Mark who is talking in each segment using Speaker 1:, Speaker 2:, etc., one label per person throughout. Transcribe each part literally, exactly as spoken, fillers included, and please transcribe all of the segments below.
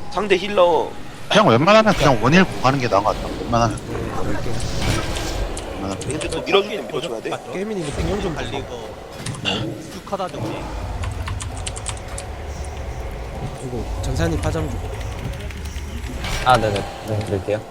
Speaker 1: 상대 힐러
Speaker 2: 그냥 웬만하면 그냥 원일 가는 게 나은 것 같아. 웬만하면.
Speaker 3: 그럴게요.
Speaker 2: 웬만하면.
Speaker 1: 근데 또 밀어줄 때 밀어줘야 돼.
Speaker 3: 게임이니까 생존 좀
Speaker 4: 달리고 쭉 하다 정리.
Speaker 3: 그리고 전산이 파장 좀.
Speaker 5: 아, 네네. 네, 드릴게요.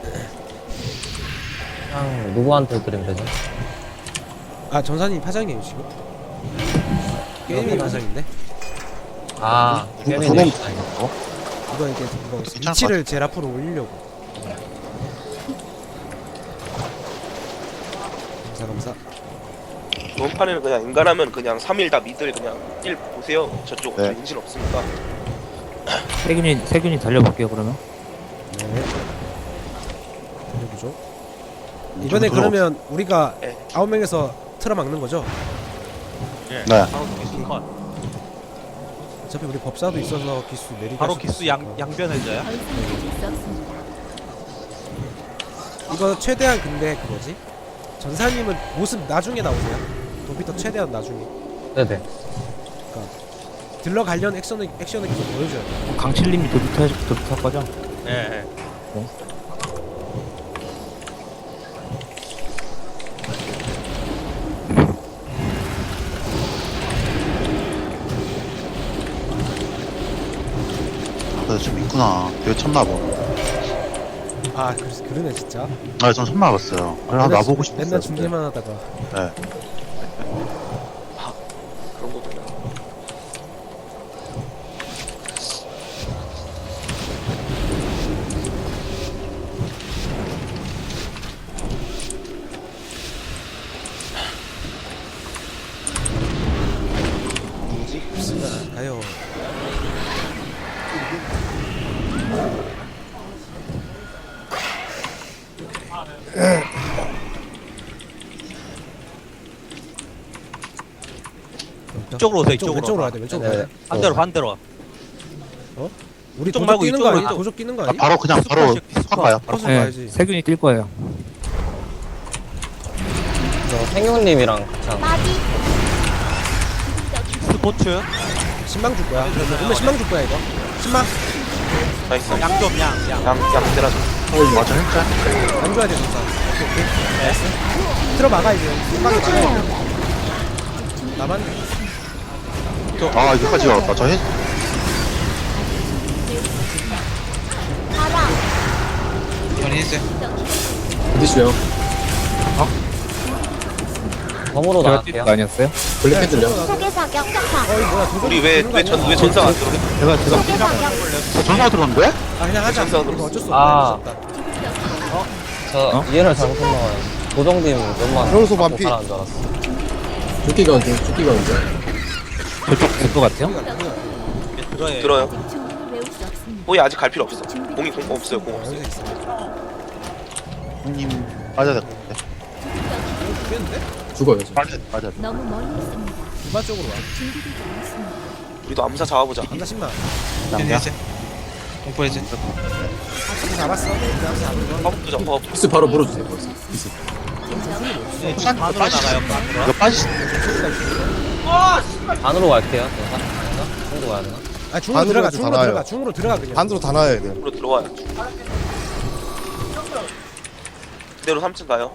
Speaker 5: 그냥 누구한테 드리면 되죠?
Speaker 3: 아 전산이 파장이에요 지금? 게임이 파장인데?
Speaker 5: 아,
Speaker 2: 두
Speaker 5: 게임이
Speaker 2: 번
Speaker 5: 되게
Speaker 2: 다니고.
Speaker 3: 이거 이게 이거
Speaker 2: 괜찮을 것
Speaker 3: 위치를 제일 앞으로 올리려고. 감사 감사.
Speaker 1: 이번 판에는 그냥 인간하면 그냥 삼 일 다 미들 그냥 일 보세요. 저쪽
Speaker 2: 네.
Speaker 1: 저 인질 없으니까.
Speaker 6: 세균이 세균이 달려볼게요 그러면.
Speaker 3: 네. 해보죠. 이번에 그러면 우리가
Speaker 1: 네.
Speaker 3: 아홉 명에서 틀어 막는 거죠?
Speaker 4: 예.
Speaker 2: 네.
Speaker 4: 바로 기수 컷.
Speaker 3: 어차피 우리 법사도 있어서 기수 내리기.
Speaker 4: 바로
Speaker 3: 할 수도
Speaker 4: 기수 양
Speaker 3: 있으니까.
Speaker 4: 양변해져요.
Speaker 7: 더 이상 가질 수 없습니다.
Speaker 3: 이거 최대한 근데 그거지? 전사님은 모습 나중에 나오세요. 도피터 최대한 나중에.
Speaker 5: 네네.
Speaker 3: 들러가려는 액션을 액션을 계속 보여줘야 돼.
Speaker 6: 강칠님이 도비터 해 도비터 할 거죠?
Speaker 4: 예. 예.
Speaker 2: 그래서 좀 있구나. 되게 처음 나봐.
Speaker 3: 아 그, 그러네 진짜.
Speaker 2: 아, 전 처음 나봤어요. 그래,
Speaker 3: 맨날
Speaker 2: 나보고
Speaker 3: 중-
Speaker 2: 싶었어요.
Speaker 3: 맨날 중계만 하다가.
Speaker 2: 네.
Speaker 1: 그런 거구나. 누구지?
Speaker 3: 자, 가요.
Speaker 4: 이쪽으로 오세요.
Speaker 3: 왼쪽,
Speaker 4: 이쪽으로.
Speaker 3: 왼쪽으로 와야 돼. 왼쪽으로.
Speaker 5: 네.
Speaker 3: 가야 돼.
Speaker 4: 반대로 반대로.
Speaker 3: 우리
Speaker 4: 이쪽
Speaker 3: 도적
Speaker 4: 말고
Speaker 3: 뛰는 거
Speaker 4: 이쪽으로
Speaker 3: 아니?
Speaker 4: 이쪽.
Speaker 3: 도적 뛰는 거
Speaker 2: 아,
Speaker 3: 아니?
Speaker 2: 바로 그냥 바로
Speaker 4: 스쿼시, 스쿼시.
Speaker 2: 컷 가요.
Speaker 3: 컷을
Speaker 6: 네.
Speaker 3: 봐야지.
Speaker 6: 세균이 뛸 거예요.
Speaker 5: 저 생용님이랑 같이 하는
Speaker 7: 빠지.
Speaker 4: 스포츠.
Speaker 3: 신망 줄 거야. 그러면 신망 줄 거야 이거. 신망
Speaker 1: 나이스.
Speaker 4: 양점 양 양.
Speaker 1: 양양 때라줘.
Speaker 2: 어, 맞아, 했자.
Speaker 3: 안 줘야 돼 진짜. 오케이 오케이. 나이스. 들어 막아 이제. 신망이 막아야 돼. 나만.
Speaker 2: 아, 여기까지 왔다. 저 해.
Speaker 7: 바람.
Speaker 8: 어디시요?
Speaker 5: 검으로
Speaker 6: 제가
Speaker 5: 나갈게요.
Speaker 6: 뛴거 아니었어요?
Speaker 8: 블랙헤드요?
Speaker 7: 소개 사격 격파.
Speaker 3: 어이 뭐야 도적.
Speaker 1: 우리 왜왜전왜 전사 안 들어?
Speaker 6: 제가 제가
Speaker 7: 소개 사격.
Speaker 2: 저 전화 들었는데?
Speaker 3: 아 그냥 하자.
Speaker 1: 전사
Speaker 3: 이거 어쩔 수
Speaker 5: 아.
Speaker 3: 없다. 어쩔 수
Speaker 5: 저
Speaker 6: 어?
Speaker 5: 이해를 잘못했나봐요. 고정팀 좀만
Speaker 8: 그러면서 반피.
Speaker 5: 잘하는 줄 알았어.
Speaker 8: 죽기가 언제? 죽기가 언제?
Speaker 6: 저쪽 될 것 같아요.
Speaker 4: 들어요.
Speaker 1: 들어요.
Speaker 7: 아직 충분히 외울 수 없습니다.
Speaker 1: 공이 아직 갈 필요 없어. 공이 공 없어요. 공
Speaker 3: 없다.
Speaker 1: 없어요.
Speaker 3: 여기서 있어.
Speaker 2: 형님, 빠져야 될 것 같아.
Speaker 3: 죽겠는데?
Speaker 8: 죽어요 지금.
Speaker 2: 빠져야 돼, 빠져야 돼.
Speaker 7: 너무 멀리 있습니다.
Speaker 3: 이바 쪽으로 와.
Speaker 7: 준비되지 않았습니다.
Speaker 1: 우리도 암사 잡아보자.
Speaker 3: 안다 신망.
Speaker 2: 남자.
Speaker 4: 공포해지.
Speaker 3: 이거 잡았어. 그냥 잡은 거.
Speaker 1: 파업도 잡아. 파업.
Speaker 8: 비스 바로 물어주세요. 벌써. 비스.
Speaker 4: 네, 반으로 나가요. 반으로.
Speaker 2: 이거 빠지.
Speaker 5: 반으로 갈게요. 괜찮아? 중으로 가야 되나?
Speaker 3: 아 중으로
Speaker 8: 반으로
Speaker 3: 들어가.
Speaker 8: 해도
Speaker 3: 중으로
Speaker 8: 다
Speaker 3: 들어가.
Speaker 8: 나와요.
Speaker 3: 중으로 들어가 그냥.
Speaker 8: 반으로 다 나와야 돼요.
Speaker 1: 으로 들어와요. 그대로 삼 층 가요.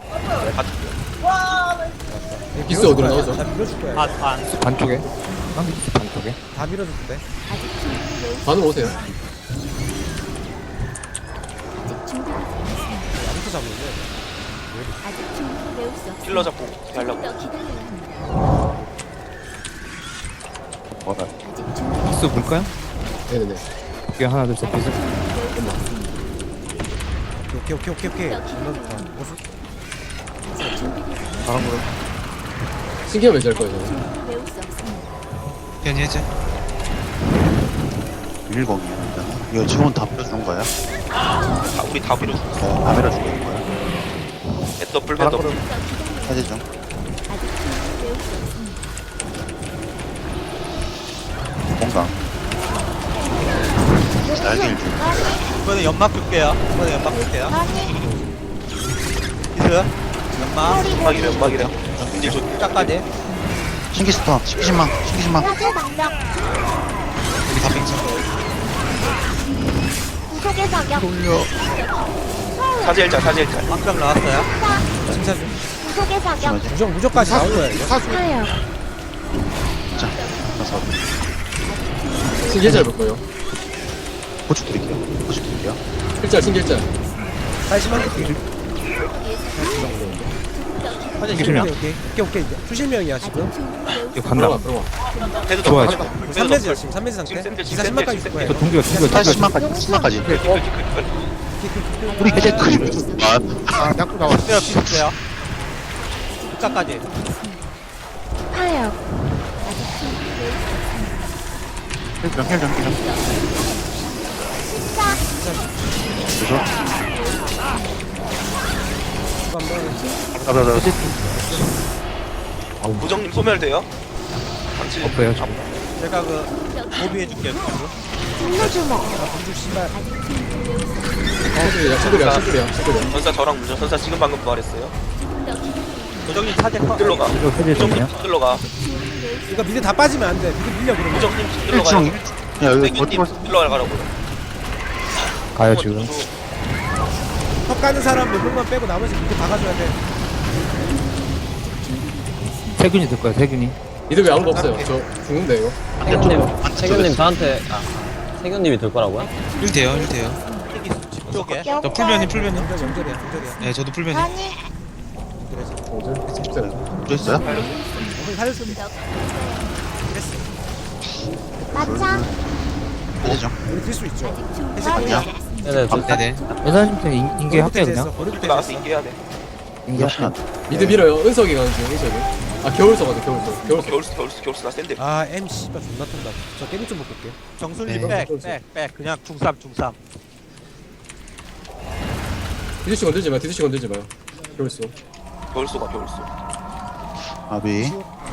Speaker 8: 비스 어디로 나오죠?
Speaker 3: 다 밀어줄 거야.
Speaker 4: 반 반.
Speaker 6: 반쪽에. 쌍비스 반쪽에.
Speaker 3: 다 밀어줄 때.
Speaker 7: 아직 충분히 외울 수
Speaker 8: 반으로 오세요.
Speaker 7: 아직 준비되지 않았습니다.
Speaker 3: 아무도 잡는데.
Speaker 7: 아직 충분히 외울 수 없습니다.
Speaker 1: 힐러 잡고 어떻게 하려고.
Speaker 7: 더 기다려야 합니다.
Speaker 2: 뭐라.
Speaker 7: 아직 준비되지
Speaker 6: 비스 볼까요?
Speaker 8: 네네네.
Speaker 6: 볼게요. 하나 둘 셋. 비스.
Speaker 3: 오케이 오케이 오케이 오케이. 존나 좋다. 모습.
Speaker 7: 아직 준비되지 않았습니다.
Speaker 6: 바람으로.
Speaker 8: 신기한 매질 할 거예요 저는.
Speaker 7: 충분히 외울 수 없습니다.
Speaker 2: 일공이야. 이거 지금은 다 밀어주는 거야?
Speaker 1: 아, 우리 다 밀어줘.
Speaker 2: 네, 다 밀어주는 거야.
Speaker 1: 애더블 배더블.
Speaker 7: 더 기다려야
Speaker 2: 해제 중.
Speaker 7: 아직 충분히 외울 수 없습니다.
Speaker 2: 공강. 날개를 주.
Speaker 4: 이번에 연막 줄게요. 이번에 연막 줄게요. 비스. 연막.
Speaker 1: 연막이래 연막이래. 인질 줘.
Speaker 4: 짝까지.
Speaker 2: 신기스톤, 신기신망, 신기신망.
Speaker 7: 화재 방정.
Speaker 9: 구속의 사격.
Speaker 1: 사제일자 사제일자.
Speaker 4: 방금 나왔어요.
Speaker 3: 진짜 좀
Speaker 9: 구속의 사격.
Speaker 2: 맞아.
Speaker 3: 무적 무적까지 나온 거야 이거.
Speaker 9: 타요.
Speaker 2: 자, 가서
Speaker 8: 신기해잘 볼 거예요.
Speaker 2: 고추 드릴게요. 고추 드릴게요.
Speaker 8: 일자 신기해잘.
Speaker 3: 빨리만 오케이
Speaker 6: 기술명.
Speaker 3: 오케이 오케이 오케이 오케이 수실명이야 지금.
Speaker 6: 이거 간다.
Speaker 8: 들어가 들어가.
Speaker 1: 헤드
Speaker 6: 좋아요,
Speaker 1: 더.
Speaker 3: 삼 매즈야 지금 삼 매즈 상태.
Speaker 1: 지금 샌들,
Speaker 3: 기사
Speaker 1: 지금
Speaker 3: 십만까지
Speaker 1: 샌들,
Speaker 3: 줄 거야.
Speaker 6: 저 동기가 동기가
Speaker 2: 팔
Speaker 6: 동기가
Speaker 2: 십만까지, 십만까지. 우리 이제 그 아,
Speaker 6: 아 약도 나왔어.
Speaker 4: 비슷해요, 비슷해요. 끝까지.
Speaker 9: 타요.
Speaker 2: 헬정, 헬정, 헬정.
Speaker 9: 십사.
Speaker 2: 그죠?
Speaker 3: 한번
Speaker 2: 아, 나, 나,
Speaker 1: 부정님 소멸돼요? 당신
Speaker 6: 없어요, 지금.
Speaker 4: 제가 그 고비해줄게요.
Speaker 9: 분노주먹.
Speaker 3: 공주 씨발.
Speaker 8: 친구야 친구야 친구야 친구야.
Speaker 1: 전사 저랑 문전 전사 지금 방금 부활했어요.
Speaker 4: 도정님 사제 커.
Speaker 1: 들러 가.
Speaker 6: 이거 해제되네요.
Speaker 1: 부정님 들러 가.
Speaker 3: 이거 미드 다 빠지면 안 돼. 미드 밀려 그러면.
Speaker 1: 부정님 들러 가.
Speaker 2: 일정, 야, 여기
Speaker 1: 세균님
Speaker 2: 버티고
Speaker 1: 들러 가라고.
Speaker 6: 가요 지금.
Speaker 3: 턱 가는 사람 몇 명만 빼고 나머지 미드 박아줘야 돼.
Speaker 6: 세균이 될 거야 세균이.
Speaker 8: 이들 왜 아무도 없어요? 저 죽는데 이거.
Speaker 5: 세균님, 세균님 저한테 아, 세균님이 될 거라고요?
Speaker 4: 일 돼요, 일 돼요. 쪽에. 저 풀면이 풀면이.
Speaker 3: 연결 연결이야 연결이야.
Speaker 4: 네, 저도 풀면이.
Speaker 9: 아니.
Speaker 2: 또 있어요?
Speaker 3: 오늘 살렸습니다.
Speaker 9: 마차.
Speaker 2: 해제죠.
Speaker 3: 우리 뛸 수 있죠.
Speaker 2: 아니야.
Speaker 5: 네네 저
Speaker 4: 네네.
Speaker 6: 여사님한테 인계 할게요 그냥.
Speaker 3: 버릴 때
Speaker 1: 나가서
Speaker 3: 됐어.
Speaker 1: 인계해야 돼.
Speaker 6: 인계
Speaker 2: 역시나.
Speaker 8: 미드 밀어요. 은석이 가는 중 은석이. 아 겨울석 가자 겨울석. 겨울석.
Speaker 1: 겨울수 겨울수 겨울수 나 샌들.
Speaker 3: 아 M 씨발 존나 턴다. 저 게임 좀 바꿀게.
Speaker 4: 정순이
Speaker 8: 네.
Speaker 4: 백, 백, 백. 그냥 중삼, 중삼.
Speaker 8: 디드씨 건들지 마. 디드씨 건들지 마요. 겨울석.
Speaker 1: 겨울수가 겨울수.
Speaker 2: 아비.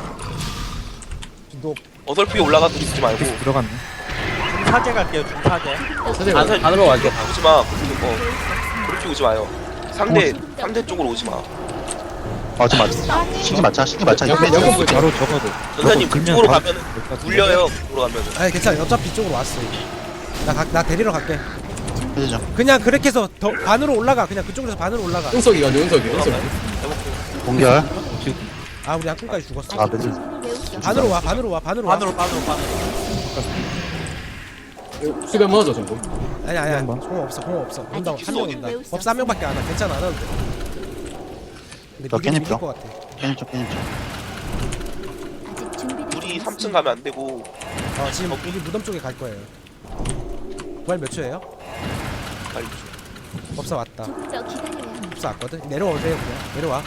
Speaker 3: 진도
Speaker 1: 어설프게 올라가도 있지 말고.
Speaker 6: 계속 들어갔네.
Speaker 4: 중사제 갈게요, 중사제.
Speaker 8: 사제가.
Speaker 1: 안설
Speaker 5: 안으로 갈게요.
Speaker 1: 오지 마. 어. 그렇게 오지 마요. 상대 상대 쪽으로 오지 마.
Speaker 2: 맞아, 맞아. 신기 맞자, 신기 맞자.
Speaker 8: 양꾼
Speaker 2: 이거
Speaker 8: 양꾼 보자.
Speaker 6: 바로 적어도.
Speaker 1: 전사님
Speaker 6: 그러면
Speaker 1: 그쪽으로
Speaker 6: 바로
Speaker 1: 가면
Speaker 6: 될것 같은데.
Speaker 1: 물려요. 그쪽으로 가면.
Speaker 3: 아니 괜찮아. 어차피 이쪽으로 왔어. 나, 가, 나 데리러 갈게.
Speaker 2: 해제죠.
Speaker 3: 그냥 그렇게 해서 더 반으로 올라가. 그냥 그쪽으로 해서 반으로 올라가.
Speaker 8: 은석이 가죠 은석이. 은석이.
Speaker 2: 공결.
Speaker 3: 아 우리 양꾼까지 죽었어.
Speaker 2: 아, 매즈.
Speaker 3: 반으로 와 반으로 와 반으로 와.
Speaker 4: 반으로, 반으로, 반으로.
Speaker 8: 수비 한번 하죠 전부.
Speaker 3: 아니 아니 아니.
Speaker 6: 한번.
Speaker 3: 공 없어 공 없어. 온다
Speaker 1: 아직
Speaker 3: 한명 온다. 법사 한 명밖에 안 와. 괜찮아 안 와도 돼. 근데
Speaker 2: 너
Speaker 3: 미드는
Speaker 2: 깻잎
Speaker 3: 밀릴
Speaker 2: 줘.
Speaker 3: 것 같아.
Speaker 2: 깨님 쪽, 깨님 쪽.
Speaker 7: 아직 준비되지
Speaker 1: 우리 삼 층
Speaker 7: 않았습니다.
Speaker 1: 가면 안 되고
Speaker 3: 어 지금 우리 무덤 쪽에 갈 거예요. 부활 몇 초예요?
Speaker 1: 빨리.
Speaker 3: 법사 왔다.
Speaker 7: 조금 더 기다려야 합니다.
Speaker 3: 법사 왔거든. 내려오세요 그냥. 내려와.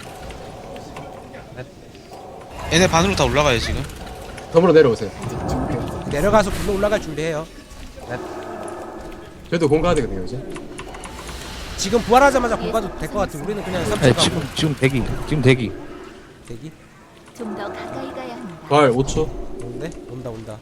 Speaker 4: 얘네 반으로 다 올라가요, 지금.
Speaker 8: 덤으로 내려오세요.
Speaker 7: 아직 준비되지 않았습니다.
Speaker 3: 내려가서 불러 올라갈 준비해요.
Speaker 8: 저희도 공가야 되거든요 이제.
Speaker 3: 지금 부활하자마자 공가도 될 것 같아. 우리는 그냥 삼 층
Speaker 6: 네,
Speaker 3: 가고
Speaker 6: 지금 지금 대기. 지금 대기.
Speaker 3: 대기.
Speaker 7: 좀 더 가까이 가야 합니다.
Speaker 8: 발 오 초.
Speaker 3: 온대? 온다 온다.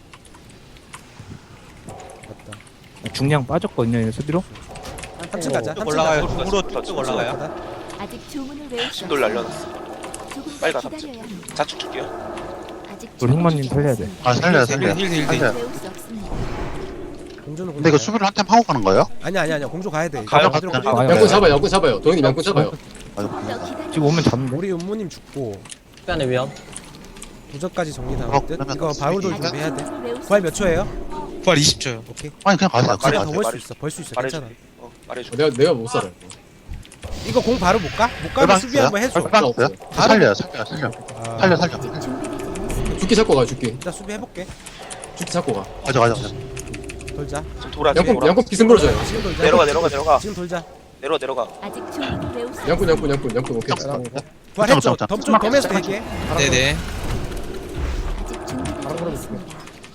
Speaker 3: 맞다.
Speaker 6: 중량 빠졌거든요 얘네 수비로.
Speaker 3: 삼 층 가자.
Speaker 4: 쭉
Speaker 3: 삼 층
Speaker 4: 올라가요.
Speaker 3: 가자.
Speaker 4: 중으로 쭉 올라가요.
Speaker 3: 가자.
Speaker 7: 아직 주문을 외울 수
Speaker 1: 신돌 날려놨어.
Speaker 7: 조금
Speaker 1: 빨리
Speaker 7: 더
Speaker 1: 가,
Speaker 7: 기다려야 합니다.
Speaker 1: 자축 줄게요.
Speaker 7: 아직
Speaker 6: 우리 흑마님
Speaker 7: 준비되지
Speaker 6: 살려야 돼.
Speaker 7: 않았습니다.
Speaker 2: 아, 살려요, 살려요.
Speaker 4: 힐, 힐, 힐.
Speaker 2: 살려요.
Speaker 7: 외울 수 없습니다.
Speaker 3: 공주는
Speaker 2: 근데 이거
Speaker 3: 공주.
Speaker 2: 수비를 한 템 하고 가는 거예요?
Speaker 3: 아니야 아니야 아니야. 공주 가야 돼.
Speaker 1: 가요.
Speaker 3: 어디로
Speaker 2: 가요.
Speaker 3: 어디로
Speaker 6: 가요.
Speaker 8: 양꾼 잡아요 양꾼 잡아요. 동현님 양꾼 잡아요.
Speaker 2: 맞아,
Speaker 7: 더
Speaker 2: 맞아.
Speaker 7: 기다려.
Speaker 6: 지금 오면 잡는데.
Speaker 3: 우리 음모님 죽고
Speaker 5: 시간의 위험.
Speaker 3: 부적까지 정리 다
Speaker 2: 어,
Speaker 3: 할 듯.
Speaker 2: 그러면
Speaker 3: 이거 바울도
Speaker 2: 수비.
Speaker 3: 준비해야 돼.
Speaker 7: 주문을 외울 수
Speaker 3: 부활 몇 초예요?
Speaker 4: 부활 이십 초요.
Speaker 3: 오케이.
Speaker 2: 아니, 그냥 가세요.
Speaker 1: 말해,
Speaker 2: 그냥
Speaker 3: 더
Speaker 2: 가세요.
Speaker 3: 벌 수
Speaker 1: 말해.
Speaker 3: 있어. 벌 수 있어.
Speaker 1: 말해줘.
Speaker 3: 괜찮아.
Speaker 1: 어, 말해줘.
Speaker 8: 내가 내가 못 살아요.
Speaker 3: 이거 공 바로 못 가? 못 가면
Speaker 2: 얼마
Speaker 3: 수비 한번
Speaker 2: 있어요?
Speaker 3: 해줘.
Speaker 2: 얼마 있어요? 살려요, 살려요, 살려.
Speaker 3: 아,
Speaker 2: 살려, 살려.
Speaker 7: 아직 준비되지 않았습니다.
Speaker 8: 죽기 잡고 가 죽기.
Speaker 3: 일단 수비 해볼게.
Speaker 8: 죽기 잡고 가.
Speaker 2: 가자, 가자, 가자.
Speaker 3: 돌자.
Speaker 1: 지금 돌아. 지금
Speaker 8: 양꾼
Speaker 1: 돌아.
Speaker 8: 양꾼 비승 불어줘요.
Speaker 3: 지금 돌자.
Speaker 1: 내려가 내려가 내려가.
Speaker 3: 지금 돌자.
Speaker 1: 내려가 내려가.
Speaker 7: 아직 주문을 외울 수
Speaker 8: 양꾼 양꾼 양꾼 양꾼 오케이.
Speaker 3: 부활했죠.
Speaker 2: 잠깐만,
Speaker 3: 덤좀
Speaker 2: 잠깐만.
Speaker 3: 덤에서 대기해.
Speaker 4: 네네.
Speaker 7: 아직 준비되지
Speaker 3: 바로
Speaker 7: 않았습니다.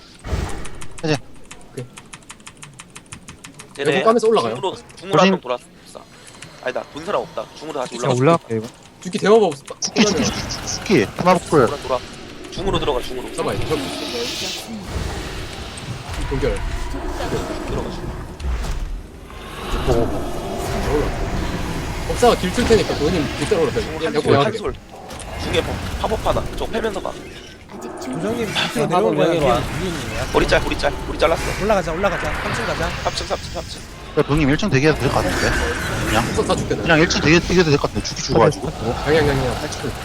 Speaker 1: 얘네
Speaker 8: 양꾼 까면서 올라가요.
Speaker 1: 중으로 중으로 한 명 돌았어. 아니다. 본 사람 없다. 중으로 다시
Speaker 6: 그냥
Speaker 1: 올라가.
Speaker 6: 올라갈게 이거.
Speaker 8: 죽기 대마법
Speaker 2: 스키, 스키, 스키, 스키. 테마복불.
Speaker 1: 돌아 돌아. 중으로 들어가 중으로.
Speaker 8: 잡아요. 저
Speaker 7: 주문을 외울 수 없습니다.
Speaker 8: 공결.
Speaker 7: 조금 더 기다려.
Speaker 1: 들어가. 중으로.
Speaker 8: 법사가 길 틀 테니까 본인 길 따라 올라가요.
Speaker 1: 중으로
Speaker 8: 양꾼
Speaker 1: 한솔
Speaker 8: 양꾼.
Speaker 1: 한솔. 중에 뭐 팝업 하나. 저 패면서 봐.
Speaker 7: 아직
Speaker 3: 부정님
Speaker 7: 준비되지
Speaker 3: 밑으로
Speaker 5: 하고
Speaker 3: 내려온 거야.
Speaker 5: 여기로 와.
Speaker 3: 위에 있는 거야.
Speaker 1: 머리 짤 머리 짤. 머리 잘랐어.
Speaker 3: 올라가자 올라가자. 삼 층 가자.
Speaker 1: 삼 층 삼 층 삼 층.
Speaker 2: 병님 일 층 대기해도 될 것 같은데.
Speaker 8: 다, 다 죽겠다.
Speaker 2: 그냥 일 층 대기, 대기해도 될 것 같은데. 죽기 죽어가지고.
Speaker 8: 양양 양양 팔 칠.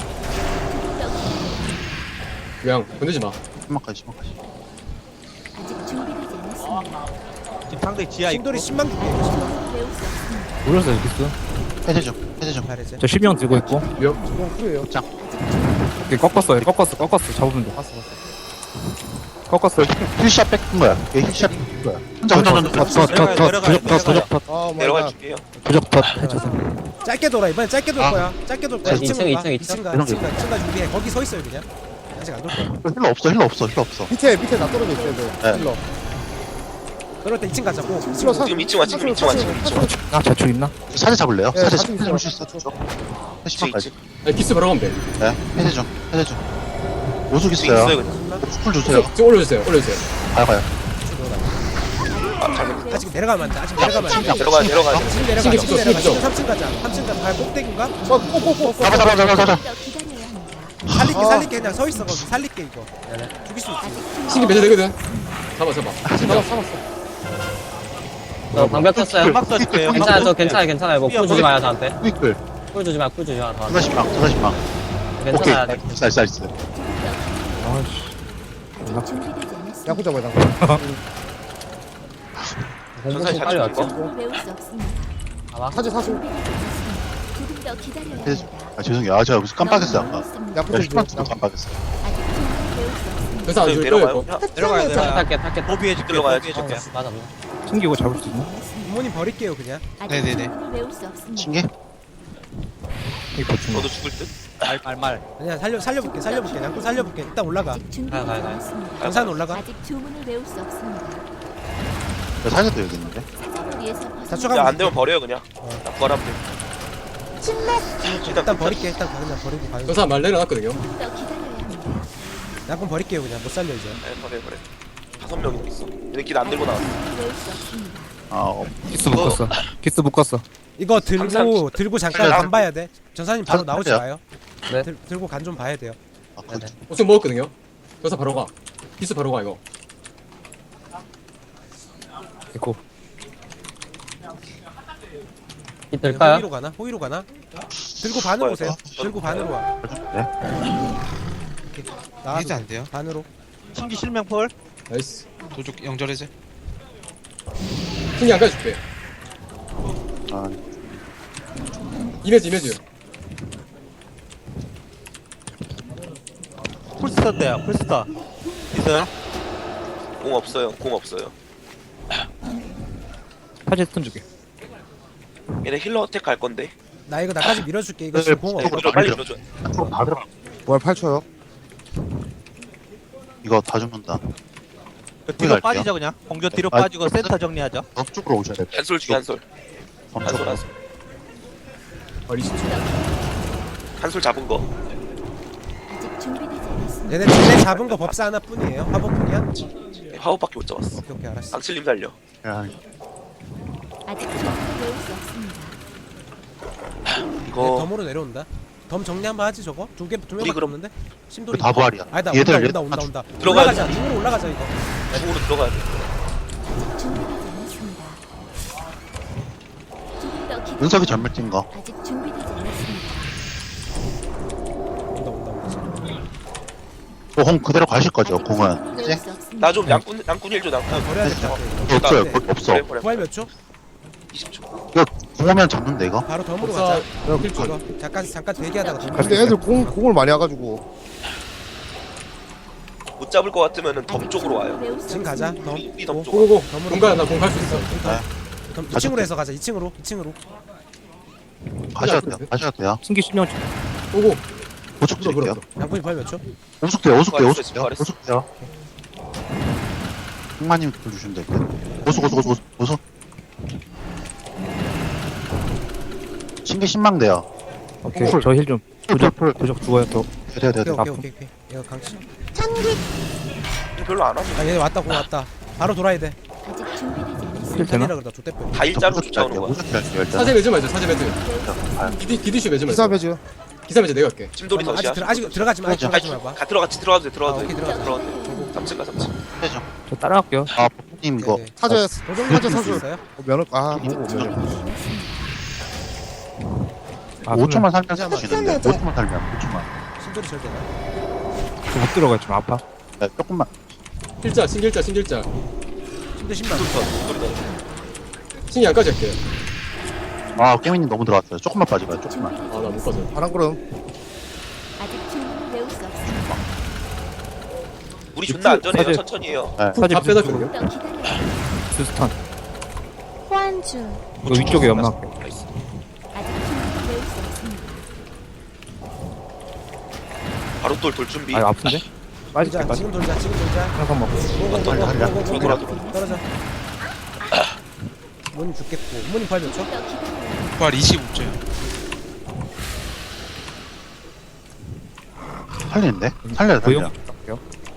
Speaker 8: 그냥 건들지 마.
Speaker 2: 신망까지, 신망까지.
Speaker 7: 아직 준비되지 않았습니다.
Speaker 4: 지금 상대 지하 있고
Speaker 3: 심돌이 십만 개 깨요. 십만
Speaker 7: 배울 수 없습니다.
Speaker 6: 올렸어요 여기스.
Speaker 2: 해제 좀, 해제 좀.
Speaker 3: 잘했지.
Speaker 6: 저 십명 들고 있고.
Speaker 8: 위협.
Speaker 3: 이건 후예요.
Speaker 6: 이렇게 꺾었어 꺾었어 꺾었어 잡으면 돼.
Speaker 3: 봤어 봤어.
Speaker 6: 꺾었어.
Speaker 2: 힐샷 뺏은 거야. 얘 힐샷 뺏은 거야. 혼자, 혼자, 혼자.
Speaker 6: 더더더 부적 더 부적 더
Speaker 3: 어
Speaker 1: 내려가
Speaker 3: 뭐야.
Speaker 1: 줄게요.
Speaker 6: 부적 더 해줘서.
Speaker 3: 짧게 돌아 이번엔 짧게 돌
Speaker 2: 아.
Speaker 3: 거야. 짧게 돌 거야.
Speaker 5: 자, 이층,
Speaker 3: 이층으로 가.
Speaker 5: 이층, 이층.
Speaker 3: 이층 가.
Speaker 2: 이런
Speaker 3: 이층 가. 이층 가 준비해. 거기 서 있어요 그냥. 아직 안 돌 거야.
Speaker 2: 힐러 없어, 힐러 없어, 힐러 없어.
Speaker 3: 밑에 밑에 나 떨어져 있어야 돼.
Speaker 2: 네.
Speaker 3: 힐러. 그럴 때 이층 가자고.
Speaker 1: 지금 이 층 와, 지금 이 층 와, 지금 이 층 와.
Speaker 6: 아 자축 있나?
Speaker 2: 사제 잡을래요?
Speaker 3: 네,
Speaker 2: 사제
Speaker 3: 사진
Speaker 2: 잡을
Speaker 3: 있어요.
Speaker 2: 수 있어.
Speaker 1: 이 층, 이
Speaker 2: 신망까지.
Speaker 1: 층.
Speaker 8: 아니 기스 바로 가면 돼.
Speaker 2: 네, 해제 좀, 해제 좀. 오숙
Speaker 1: 지금
Speaker 2: 있어요.
Speaker 1: 있어요, 그냥.
Speaker 2: 풀 주세요.
Speaker 8: 지금 올려주세요. 올려주세요.
Speaker 2: 가요, 가요.
Speaker 1: 아, 잘못.
Speaker 3: 아직 내려가면 안 돼. 아직 내려가면 안 돼.
Speaker 1: 내려가, 내려가.
Speaker 3: 지금 내려가.
Speaker 8: 신기
Speaker 3: 지금
Speaker 8: 신기
Speaker 3: 내려가.
Speaker 8: 신기
Speaker 3: 지금 삼 층 가자. 삼 층 가자. 아 꼭대기인가? 어, 꼭꼭꼭.
Speaker 2: 잡아, 잡아, 잡아, 잡아.
Speaker 7: 더 기다려야 합니다.
Speaker 3: 살릴게 살릴게 그냥 서 있어 거기. 살릴게 이거. 죽일 수 있지.
Speaker 8: 신기 매제 되거든. 잡아 잡아. 잡아 잡았어.
Speaker 5: 저 방벽 쳤어요.
Speaker 4: 연막 써줄게요.
Speaker 5: 괜찮아, 저 괜찮아, 괜찮아요. 뭐풀 주지 마요, 저한테.
Speaker 2: 윗글.
Speaker 5: 풀 주지 마, 풀 주지 마, 저한테.
Speaker 2: 사다십망, 사다십망. 오케이.
Speaker 5: 괜찮아요.
Speaker 2: 나이스, 나이스, 나이스.
Speaker 6: 아씨.
Speaker 7: 아직 준비되지 않았습니다.
Speaker 3: 야구 잡아야 돼.
Speaker 1: 전사시
Speaker 5: 빨리
Speaker 1: 자축인
Speaker 5: 왔죠?
Speaker 1: 거.
Speaker 7: 충분히 배울 수 없습니다.
Speaker 5: 봐봐.
Speaker 3: 사제 사수.
Speaker 7: 준비되지 않았습니다. 조금 더 기다려야
Speaker 2: 해제.
Speaker 7: 합니다.
Speaker 2: 아, 죄송해요. 아, 제가 무슨 깜빡했어요, 아까.
Speaker 3: 야구
Speaker 2: 야,
Speaker 3: 좀
Speaker 2: 힐러
Speaker 3: 줘.
Speaker 2: 깜빡했어요.
Speaker 7: 아직 충분히 배울 수 없습니다.
Speaker 8: 그래서 안
Speaker 1: 지금
Speaker 8: 줄 거예요.
Speaker 1: 내려가요.
Speaker 8: 이거.
Speaker 1: 야,
Speaker 4: 내려가야 돼.
Speaker 5: 탈게, 탈게.
Speaker 4: 도비해줄게.
Speaker 1: 들어가야지.
Speaker 4: 도비해줄게.
Speaker 5: 맞아, 맞아.
Speaker 6: 숨기고 잡을 수 있나?
Speaker 3: 부모님 버릴게요 그냥.
Speaker 7: 아직
Speaker 4: 네네네.
Speaker 7: 충분히 배울 수 없습니다.
Speaker 2: 신기?
Speaker 6: 이 버튼.
Speaker 1: 너도 죽을 듯?
Speaker 4: 말말말.
Speaker 3: 그냥 살려 살려볼게 살려볼게. 양꾼 살려볼게. 일단 올라가.
Speaker 7: 아직 준비되지
Speaker 5: 가요, 가요, 가요.
Speaker 7: 않았습니다.
Speaker 3: 전산 올라가.
Speaker 7: 아직 주문을 외울 수 없습니다.
Speaker 2: 사제도 여기 있는데.
Speaker 7: 사정을 위해서
Speaker 3: 자축하면
Speaker 1: 야, 안 되면 버려요, 그냥. 나 구하라면 돼.
Speaker 9: 침묵.
Speaker 3: 일단 버릴게. 일단 그냥 버리고 가요.
Speaker 8: 저 사람 말 내려놨거든요.
Speaker 7: 더 기다려야 합니다.
Speaker 3: 양꾼 버릴게요 그냥. 못 살려 이제.
Speaker 1: 네, 버려, 버려. 다섯 명이 있어. 얘네 길안 들고 나왔어.
Speaker 7: 주문을 외울 수 없습니다.
Speaker 2: 아, 어.
Speaker 6: 키스 묶었어. 키스 묶었어.
Speaker 3: 이거 들고
Speaker 1: 항상
Speaker 3: 들고 잠깐
Speaker 1: 살려.
Speaker 3: 간 봐야 돼. 전사님 바로
Speaker 2: 살-
Speaker 3: 나오지
Speaker 2: 살려.
Speaker 3: 마요.
Speaker 5: 네.
Speaker 3: 들, 들고 간 좀 봐야 돼요.
Speaker 2: 아, 그,
Speaker 5: 네네.
Speaker 8: 옷좀 먹었거든요. 그래서 바로 가. 기스 바로 가 이거.
Speaker 6: 에코.
Speaker 5: 이 될까요?
Speaker 3: 호위로 가나? 호위로 가나? 들고 반으로 오세요. 들고 반으로 와.
Speaker 2: 네?
Speaker 3: 나와도
Speaker 4: 이제 안
Speaker 3: 돼.
Speaker 4: 돼요?
Speaker 3: 반으로.
Speaker 4: 신기 실명폴.
Speaker 8: 나이스.
Speaker 4: 도둑 영절해제.
Speaker 8: 신기 안 가줄게.
Speaker 2: 아,
Speaker 8: 이메지 이메지.
Speaker 4: 풀스타 때야. 풀스타. 있어요?
Speaker 1: 공 없어요, 공 없어요.
Speaker 6: 파제 스톤 주게.
Speaker 1: 얘네 힐러 어택 갈 건데.
Speaker 3: 나 이거 나까지 밀어줄게. 이거
Speaker 2: 네,
Speaker 3: 지금 공
Speaker 2: 네,
Speaker 3: 없어.
Speaker 1: 밀어, 빨리 밀어줘.
Speaker 2: 앞으로 다 들어가.
Speaker 10: 월 팔 초요.
Speaker 2: 이거 다 죽는다.
Speaker 4: 그 뒤로
Speaker 2: 갈게요.
Speaker 4: 빠지죠 그냥. 공조 뒤로
Speaker 2: 아,
Speaker 4: 빠지고 센터 정리하죠.
Speaker 2: 저쪽으로 오셔야 돼.
Speaker 1: 한솔 중에 한솔. 한솔,
Speaker 2: 저쪽으로.
Speaker 1: 한솔.
Speaker 8: 아 리시트.
Speaker 1: 한솔 잡은 거.
Speaker 7: 아직 준비되지 않았습니다.
Speaker 3: 얘네 얘네 잡은 거 법사 하나뿐이에요. 화법뿐이야?
Speaker 1: 화호밖에 못 잡았어.
Speaker 3: 오케이 오케이 알았어.
Speaker 1: 앙칠님 살려.
Speaker 2: 야,
Speaker 7: 아직 주문을 외울 수 없습니다.
Speaker 3: 얘네
Speaker 1: 이거
Speaker 3: 덤으로 내려온다. 덤 정리 한번 하지 저거? 두개두
Speaker 1: 우리
Speaker 3: 명밖에
Speaker 1: 그럼-
Speaker 3: 없는데? 심돌이.
Speaker 2: 다 부활이야.
Speaker 3: 아니다
Speaker 2: 얘들,
Speaker 3: 온다
Speaker 2: 얘들
Speaker 3: 온다
Speaker 2: 다
Speaker 3: 온다 온다.
Speaker 1: 들어가야
Speaker 3: 올라가자. 중으로 올라가자 이거.
Speaker 1: 중으로 들어가야 돼.
Speaker 7: 아직 준비되지 않았습니다. 조금 더 기다려.
Speaker 2: 은석이 전멸 뛴 거.
Speaker 7: 아직 준비되지 않았습니다.
Speaker 3: 온다 온다 온다.
Speaker 2: 어, 공 그대로 가실 거죠,
Speaker 7: 아직
Speaker 2: 공은.
Speaker 7: 주문을
Speaker 2: 그치?
Speaker 7: 외울 수 없습니다.
Speaker 1: 나 좀 양꾼, 양꾼 일 줘, 양꾼.
Speaker 3: 버려야 될 것 같아. 이거.
Speaker 2: 없어요,
Speaker 3: 네.
Speaker 2: 거기 없어.
Speaker 1: 버려, 버려.
Speaker 3: 부활 몇 초?
Speaker 1: 이십 초.
Speaker 2: 이거 공 오면 잡는데, 이거?
Speaker 3: 바로 덤으로
Speaker 8: 법사
Speaker 3: 가자.
Speaker 8: 필주.
Speaker 3: 이거 잠깐 잠깐 대기하다가 덤.
Speaker 10: 근데 애들 공 공을 많이 와가지고
Speaker 1: 못 잡을 것 같으면은 덤 쪽으로 와요.
Speaker 7: 외울 수
Speaker 3: 지금 가자.
Speaker 7: 없습니다.
Speaker 3: 덤.
Speaker 1: 이 덤 쪽.
Speaker 8: 고고고.
Speaker 3: 덤으로
Speaker 8: 공간 나공 갈 수 있어.
Speaker 3: 덤 이 층으로 해서 가자. 이 층으로. 이 층으로.
Speaker 2: 가셔야 돼요, 가셔야 돼요.
Speaker 6: 신기 십명
Speaker 8: 고고.
Speaker 2: 오숙
Speaker 8: 그럼
Speaker 2: 드릴게요.
Speaker 8: 그럼.
Speaker 3: 양꾼이 부활 몇 초?
Speaker 2: 오숙 돼요, 오숙 돼요,
Speaker 1: 부활했어,
Speaker 2: 오숙 돼요.
Speaker 1: 부활했어.
Speaker 2: 오숙 돼요. 흑마님 돌주시면 될 거예요. 오숙, 오숙, 오숙, 오숙. 신기 신망 돼요.
Speaker 6: 오케이.
Speaker 2: 풀.
Speaker 6: 저 힐 좀.
Speaker 2: 풀,
Speaker 6: 부적
Speaker 2: 풀,
Speaker 6: 부적 죽어요 또.
Speaker 2: 돼요, 돼요,
Speaker 3: 오케이
Speaker 2: 돼요.
Speaker 3: 오케이 오케이 오케이. 이거 강치.
Speaker 9: 천기.
Speaker 1: 별로 안 하네.
Speaker 3: 아 얘네 왔다 공 왔다. 바로 돌아야 돼.
Speaker 7: 아직 준비되지 않았습니다.
Speaker 6: 힐 되나?
Speaker 3: 살리라 그러다 좆대표.
Speaker 1: 다 일자로 쫓아오는 거야.
Speaker 2: 오숙 할게요, 일단.
Speaker 8: 사제 매즈 말자. 사제 매즈.
Speaker 2: 아,
Speaker 8: 기디 기디슈 매즈
Speaker 10: 기사
Speaker 8: 말자.
Speaker 10: 배즈.
Speaker 8: 기사 매즈 내가 할게.
Speaker 1: 찜돌이
Speaker 3: 아직
Speaker 1: 덫이야.
Speaker 3: 들어 아직 들어가지 마. 아직
Speaker 2: 아직
Speaker 3: 들어가지 마 봐.
Speaker 1: 가 들어가, 들어가도 돼,
Speaker 3: 아,
Speaker 1: 들어가도 돼.
Speaker 3: 오케이, 들어가자.
Speaker 1: 들어가도 돼. 삼 층 가, 삼 층.
Speaker 2: 해죠.
Speaker 6: 저 따라갈게요.
Speaker 2: 아, 님 이거
Speaker 3: 네.
Speaker 10: 사제
Speaker 3: 도전
Speaker 10: 사제
Speaker 3: 수
Speaker 10: 사주
Speaker 3: 있어요?
Speaker 10: 면허 아 뭐고 면허
Speaker 6: 아,
Speaker 2: 오 초만 살면
Speaker 3: 잠깐만.
Speaker 2: 쓰시는데 오 초만 살면 오 초만.
Speaker 3: 신돌이 절 되나?
Speaker 6: 못 들어가 좀 아파.
Speaker 2: 네, 조금만.
Speaker 8: 필자 신길자 신길자
Speaker 3: 신돌 신발.
Speaker 8: 신기 안까지 할게요.
Speaker 2: 아 깨미님 너무 들어갔어요. 조금만 빠져봐요. 조금만.
Speaker 7: 준비되지
Speaker 8: 아 나 못
Speaker 7: 않았습니다.
Speaker 8: 가져.
Speaker 10: 바람 구름
Speaker 7: 아직 주문을 외울 수 없습니다.
Speaker 1: 우리 존나 안전해요.
Speaker 6: 사실-
Speaker 1: 천천히 해요.
Speaker 2: 네.
Speaker 8: 다 빼다
Speaker 7: 조금
Speaker 8: 줄게요.
Speaker 7: 더 기다려야 합니다.
Speaker 6: 스턴.
Speaker 9: 호환준
Speaker 6: 이거 위쪽에 연막.
Speaker 1: 나이스.
Speaker 7: 아직 주문을 외울 수 없습니다.
Speaker 1: 바로 돌 돌 준비.
Speaker 6: 아 아픈데? 빠질게
Speaker 3: 돌자.
Speaker 6: 빠질.
Speaker 3: 지금 돌자. 지금 돌자.
Speaker 6: 항상 먹고.
Speaker 2: 돌려, 돌려.
Speaker 3: 고고고고고.
Speaker 1: 돌아, 돌아.
Speaker 3: 떨어져. 부모님 죽겠고. 부모님 팔 몇 초?
Speaker 7: 더 기다려야 합니다.
Speaker 4: 부활 이십오 초요.
Speaker 2: 살리는데? 살려야 돼.
Speaker 6: 고용
Speaker 2: 살려.
Speaker 6: 할게요.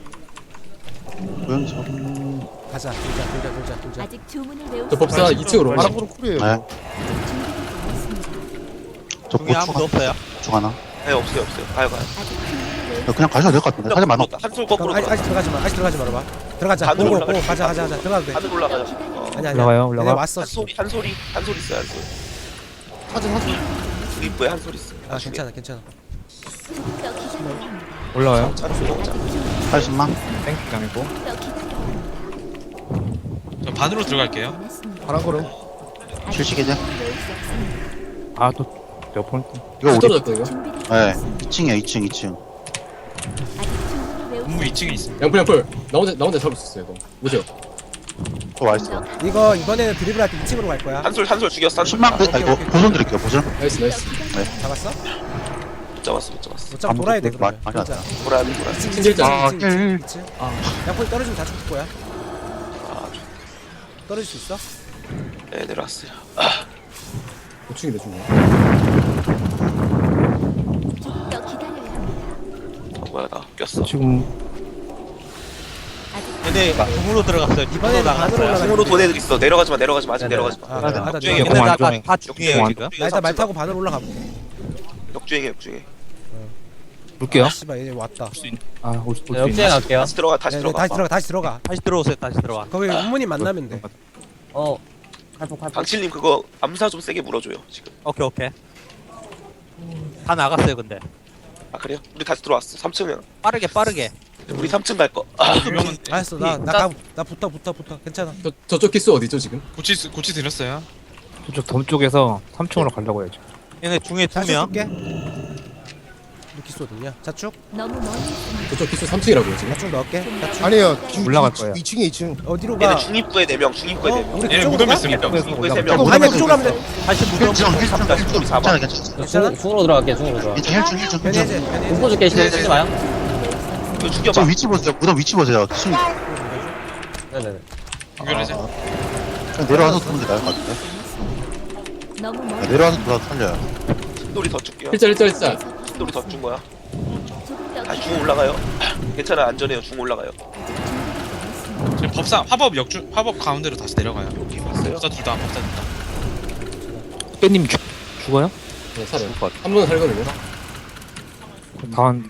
Speaker 2: 고용 좀.
Speaker 3: 가자. 돌자. 돌자. 돌자. 돌자.
Speaker 7: 아직 주문을 외울
Speaker 8: 저
Speaker 7: 수
Speaker 8: 법사
Speaker 7: 없습니다.
Speaker 8: 이 층으로
Speaker 10: 바람 구름 쿨이에요
Speaker 2: 네.
Speaker 7: 준비되지 않았습니다.
Speaker 2: 저 고추 하나.
Speaker 4: 없어요.
Speaker 2: 고추 하나.
Speaker 1: 네 없어요 없어요. 가요 가요.
Speaker 7: 아직 주문을 외울
Speaker 2: 네, 그냥 가셔도 될 것 같은데. 사제 많아.
Speaker 1: 한술 거꾸로
Speaker 3: 그럼 아직, 아직
Speaker 1: 들어가.
Speaker 3: 들어가지 마. 아직 들어가지 말아봐. 들어가자.
Speaker 1: 반으로
Speaker 3: 고고
Speaker 1: 올라가자.
Speaker 3: 고 가자. 가자. 가자. 들어가도 돼.
Speaker 1: 하늘 올라가요. 어.
Speaker 3: 아니 아니.
Speaker 6: 올라가요, 올라가.
Speaker 3: 얘네 왔어.
Speaker 1: 한 소리 한 소리 한 소리 있어요 한 소리.
Speaker 10: 사제 사주
Speaker 1: 입구에 한 소리 있어.
Speaker 3: 아 괜찮아. 괜찮아.
Speaker 7: 조금 더 기다려야 합니다.
Speaker 6: 올라와요.
Speaker 1: 차로 쏘자.
Speaker 7: 아직 주문을
Speaker 2: 팔십만.
Speaker 6: 땡큐 당했고.
Speaker 7: 더 기다려야 합니다.
Speaker 4: 저 반으로 들어갈게요.
Speaker 7: 않았습니다.
Speaker 10: 바람 구름
Speaker 7: 아직
Speaker 2: 실시계제?
Speaker 7: 주문을 외울 수 없습니다.
Speaker 6: 아또 내가 포인트.
Speaker 2: 이거 우리.
Speaker 8: 떨어졌다 이거.
Speaker 7: 준비되지
Speaker 2: 네.
Speaker 7: 않았습니다.
Speaker 2: 이 층이야 이 층 이 층.
Speaker 7: 아직 주문을 외울 수
Speaker 4: 문무 이 층에 있습니다.
Speaker 8: 양풀 양풀. 나 혼자 나 혼자 잡을 수 있어요 이거. 오세요.
Speaker 2: 저 와있어.
Speaker 3: 이거 이번에는 드리블 할때 이 층으로 갈 거야.
Speaker 1: 한술 한술 죽였어. 한술.
Speaker 2: 십만 그, 아 이거 보존 드릴게요 보존.
Speaker 8: 나이스 나이스.
Speaker 3: 잡았어?
Speaker 1: 못 잡았어 못 잡았어.
Speaker 3: 어차피 돌아야 돼 그러면.
Speaker 2: 많이 왔다.
Speaker 3: 진짜.
Speaker 1: 돌아야 돼 돌아야 돼.
Speaker 8: 신길자.
Speaker 2: 아,
Speaker 3: 이 층, 이 층, 이 층.
Speaker 8: 아.
Speaker 3: 양포이 떨어지면 다 죽을 거야.
Speaker 1: 아,
Speaker 3: 떨어질 수 있어?
Speaker 1: 네 내려왔어요.
Speaker 8: 고충이네 중간.
Speaker 7: 조금 더 기다려야 합니다.
Speaker 1: 어, 뭐야 나 꼈어.
Speaker 6: 지금
Speaker 7: 아직
Speaker 4: 근데 공으로 들어갔어요.
Speaker 3: 이번에는 반으로 올라가.
Speaker 1: 중으로 돈 애들 있어. 내려가지 마 내려가지 마 아직
Speaker 5: 네네.
Speaker 1: 내려가지 마.
Speaker 3: 아, 나, 나, 나,
Speaker 1: 역주행이야.
Speaker 6: 공 안
Speaker 1: 공
Speaker 6: 좋네.
Speaker 4: 다 중이에요 지금.
Speaker 3: 나 일단 말 타고 반으로 올라가 볼게.
Speaker 1: 역주행이 역주행.
Speaker 6: 볼게요.
Speaker 3: 아, 씨발 얘 왔다.
Speaker 6: 아올수
Speaker 5: 네, 역주행 할게요.
Speaker 1: 다시 들어가 다시
Speaker 3: 네, 네,
Speaker 1: 들어가.
Speaker 3: 다시 들어가. 다시 들어가.
Speaker 4: 다시 들어오세요. 다시 들어와.
Speaker 3: 거기 부모님 만나면 돼.
Speaker 5: 어. 칼폭 칼폭.
Speaker 1: 방칠님 그거 암사 좀 세게 물어줘요 지금.
Speaker 4: 오케이 오케이. 다 나갔어요 근데.
Speaker 1: 아 그래요? 우리 다시 들어왔어. 삼 층이야.
Speaker 4: 빠르게 빠르게.
Speaker 1: 우리 삼 층 갈 거. 아,
Speaker 4: 유명한
Speaker 3: 알았어. 나나나 나 붙어 붙어 붙어. 괜찮아.
Speaker 8: 저 저쪽 키스 어디죠 지금?
Speaker 4: 고치 고치 드렸어요.
Speaker 6: 저쪽 덤 쪽에서 삼 층으로 가려고 해야지.
Speaker 4: 얘네 중에 두
Speaker 3: 자축
Speaker 4: 명.
Speaker 3: 줄게. 루키스 어딨냐? 자축?
Speaker 7: 너무 멀리 있습니다.
Speaker 8: 저쪽 키스 삼 층이라고요 지금.
Speaker 3: 자축 넣을게. 자축.
Speaker 10: 아니에요
Speaker 6: 올라갈 거예요.
Speaker 10: 이 층에 이 층
Speaker 3: 어디로
Speaker 1: 얘네
Speaker 3: 가?
Speaker 1: 중입구에 네 명, 중입구에 네
Speaker 3: 어?
Speaker 1: 명.
Speaker 3: 우리
Speaker 4: 얘네
Speaker 3: 그쪽으로
Speaker 4: 무덤
Speaker 3: 가?
Speaker 4: 있습니다.
Speaker 1: 중입구에 세
Speaker 3: 어,
Speaker 1: 명.
Speaker 3: 가면 그쪽으로 가면 돼.
Speaker 4: 다시 무덤.
Speaker 2: 일 층 일 층
Speaker 1: 다시 우리 사 번.
Speaker 2: 괜찮아 괜찮아.
Speaker 3: 괜찮아?
Speaker 5: 중, 중으로 들어갈게요. 중으로 들어가.
Speaker 2: 일 층 일 층 일 층
Speaker 3: 변해제.
Speaker 2: 일 층.
Speaker 3: 변해제.
Speaker 5: 공포 줄게 신경 쓰지 마요.
Speaker 1: 이거
Speaker 2: 저
Speaker 1: 죽여봐.
Speaker 2: 위치 보세요. 무덤 위치 보세요. 층
Speaker 5: 네네네.
Speaker 4: 연결해서.
Speaker 2: 그냥 내려와서 두는 게 나을 것 같은데.
Speaker 7: 너무
Speaker 2: 아,
Speaker 7: 멀리.
Speaker 2: 내려와서 돌아서 살려요.
Speaker 1: 신돌이 더 줄게요.
Speaker 8: 일자 일자 일자.
Speaker 1: 신돌이 더 준 거야.
Speaker 7: 조금 더
Speaker 1: 다시 중
Speaker 7: 기다려야
Speaker 1: 올라가요. 괜찮아 안전해요. 중 올라가요.
Speaker 7: 아직 준비되지 않았습니다.
Speaker 4: 지금 법사 화법 역주 화법 가운데로 다시 내려가요.
Speaker 1: 여기 봤어요.
Speaker 4: 법사 둘 다 법사 둘 다.
Speaker 6: 깨님 죽 죽어요?
Speaker 8: 네 살아요. 한 번은 살거든요.
Speaker 6: 다한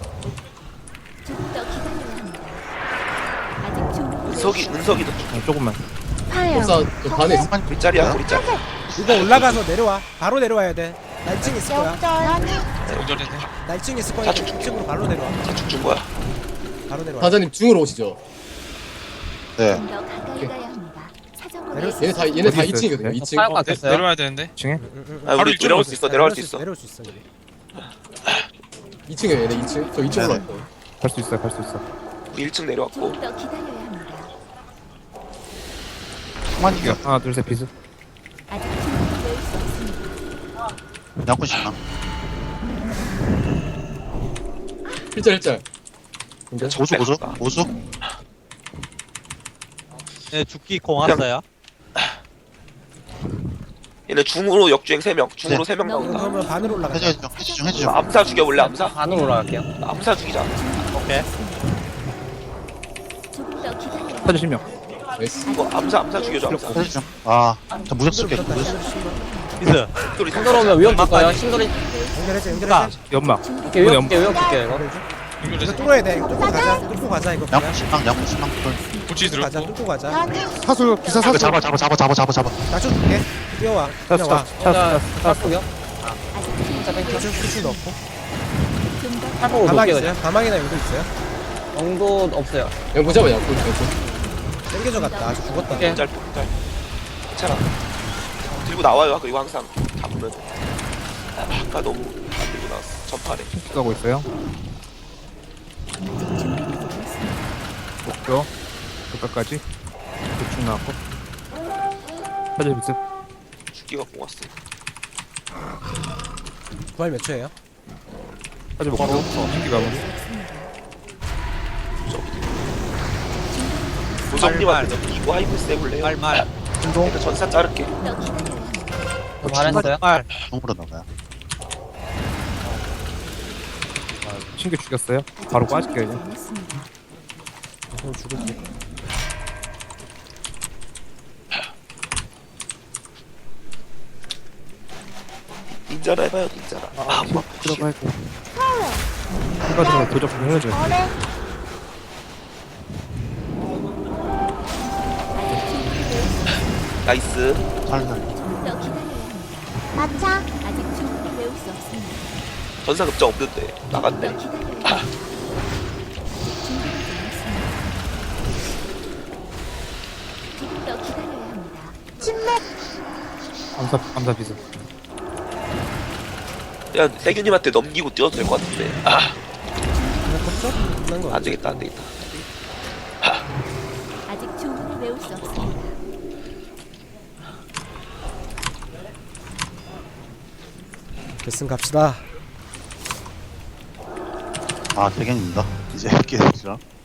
Speaker 7: 조금 더 기다려야 합니다. 아직 주문을 외울
Speaker 1: 은석이
Speaker 7: 수
Speaker 1: 은석이 더 줄.
Speaker 6: 아, 조금만.
Speaker 9: 파열
Speaker 8: 법사 저 반에 있어.
Speaker 1: 우리 짤이야 우리 짤.
Speaker 3: 이거 올라가서 내려와. 바로 내려와야 돼. 나 일 층 있을 거야.
Speaker 9: 역전
Speaker 4: 연결해서.
Speaker 3: 나 일 층 있을 거야.
Speaker 1: 자축
Speaker 3: 이 층으로 바로 내려와.
Speaker 1: 자축 준 거야.
Speaker 3: 바로 내려와.
Speaker 8: 사장님 중으로 오시죠.
Speaker 2: 네.
Speaker 7: 좀 더 가까이 가야 합니다. 사정거리에
Speaker 3: 내려올 수
Speaker 8: 얘네 다 얘네 다
Speaker 6: 어디
Speaker 8: 이 층이거든요.
Speaker 6: 있어요?
Speaker 8: 이 층.
Speaker 5: 사역
Speaker 4: 네,
Speaker 5: 같았어요.
Speaker 4: 내려와야 되는데.
Speaker 6: 이 층에?
Speaker 1: 아
Speaker 4: 바로
Speaker 1: 우리
Speaker 4: 이쪽으로
Speaker 1: 내려올 수 있어. 내려올 수 있어.
Speaker 3: 내려올 수 있어. 우리.
Speaker 8: 이 층이에요 얘네 이 층. 저 이 층으로
Speaker 2: 네네.
Speaker 8: 왔어요.
Speaker 6: 갈 수 있어요. 갈 수 있어.
Speaker 1: 우리 일 층 내려왔고.
Speaker 7: 조금 더 기다려야 합니다.
Speaker 2: 한만이요.
Speaker 6: 하나 둘 셋 비스.
Speaker 7: 아직 주문을 외울 수 없습니다.
Speaker 2: 양꾼 신랑.
Speaker 8: 일자 일자.
Speaker 2: 보수 보수 보수.
Speaker 4: 네 죽기 공 왔어요.
Speaker 1: 얘네 중으로 역주행 세 명. 중으로
Speaker 2: 네.
Speaker 1: 세 명 나온다.
Speaker 3: 그러면 반으로 올라가.
Speaker 2: 해줘 해줘 해줘 좀 해줘 좀.
Speaker 1: 암사 죽여 원래 암사.
Speaker 5: 반으로 올라갈게요.
Speaker 1: 암사 죽이자.
Speaker 4: 오케이.
Speaker 7: 조금 더 기다려야 합니다.
Speaker 6: 사주 실명.
Speaker 8: 나이스.
Speaker 1: 이거 암사 암사 죽여줘 암사.
Speaker 2: 해줘 좀. 아, 저 무적 쓸게.
Speaker 3: 붙었다.
Speaker 2: 무적.
Speaker 4: 비스.
Speaker 1: 신돌이
Speaker 5: 신도로 오면 위험 줄 거예요. 신도리.
Speaker 3: 연결해줘. 연결해줘.
Speaker 6: 연막.
Speaker 5: 이렇게 위험 줄게 위험 줄게 이거.
Speaker 3: 이거
Speaker 4: 연결해서.
Speaker 3: 뚫어야 돼. 이거 뚫고 가자. 뚫고 가자 이거.
Speaker 2: 양꾼
Speaker 3: 그냥.
Speaker 2: 신랑 양꾼 신랑 꿀.
Speaker 4: 고치 돌치
Speaker 3: 가자
Speaker 4: 들었고.
Speaker 3: 뚫고 가자.
Speaker 9: 변이
Speaker 10: 사술 기사
Speaker 2: 이거
Speaker 10: 사술.
Speaker 2: 잡아 잡아 잡아 잡아 잡아 잡아.
Speaker 3: 나좀 줄게. 뛰어와. 그냥 와.
Speaker 5: 자, 탈폭이요?
Speaker 3: 나좀 수출 넣고.
Speaker 5: 탈폭으로
Speaker 3: 가망
Speaker 5: 볼게요.
Speaker 3: 있어요? 가망이나 용도 있어요?
Speaker 5: 정도 없어요.
Speaker 8: 양꾼 잡아 양꾼 양꾼.
Speaker 3: 땡겨져 갔다. 아직 죽었다.
Speaker 5: 오케이.
Speaker 1: 짧고 짧고. 괜찮아. 들고 나와요. 그리고 항상 잡으면. 아, 아까 너무 안 들고 나왔어. 전파래.
Speaker 6: 가고 있어요. 목표 끝까지 대충 나왔고 사제 비습
Speaker 1: 죽기가 뽕왔어.
Speaker 3: 부활 몇 초예요?
Speaker 6: 사제 목표 신기 가고
Speaker 1: 보성님한테 이거 하이브 세볼래요?
Speaker 4: 말말.
Speaker 1: 일단 전사 자를게.
Speaker 5: 저 잘했어요.
Speaker 4: 말.
Speaker 2: 똥으로 나가요.
Speaker 6: 신기 죽였어요. 바로 빠질게요 이제.
Speaker 3: 그럼 죽을게.
Speaker 1: 닌자라 해봐요 닌자라. 아, 뭐
Speaker 6: 들어가야 돼. 한가지로 도적 좀 해야죠.
Speaker 9: 어레
Speaker 1: 나이스.
Speaker 2: 살살.
Speaker 9: 마차
Speaker 7: 아직 충분히 배울 수 없습니다.
Speaker 1: 전사 급장 없는데 나갔네.
Speaker 7: 기다려요. 더 기다려야 합니다.
Speaker 9: 침묵
Speaker 6: 감사 감사 비습.
Speaker 1: 야 세균님한테 넘기고 뛰어도 될 것 같은데. 아,
Speaker 3: 그냥 컸죠? 끝난 거
Speaker 1: 안 되겠다 안 되겠다.
Speaker 7: 아직 충분히 배울 수 없습니다.
Speaker 3: 결승 갑시다.
Speaker 2: 아 대견입니다. 이제 깨지라.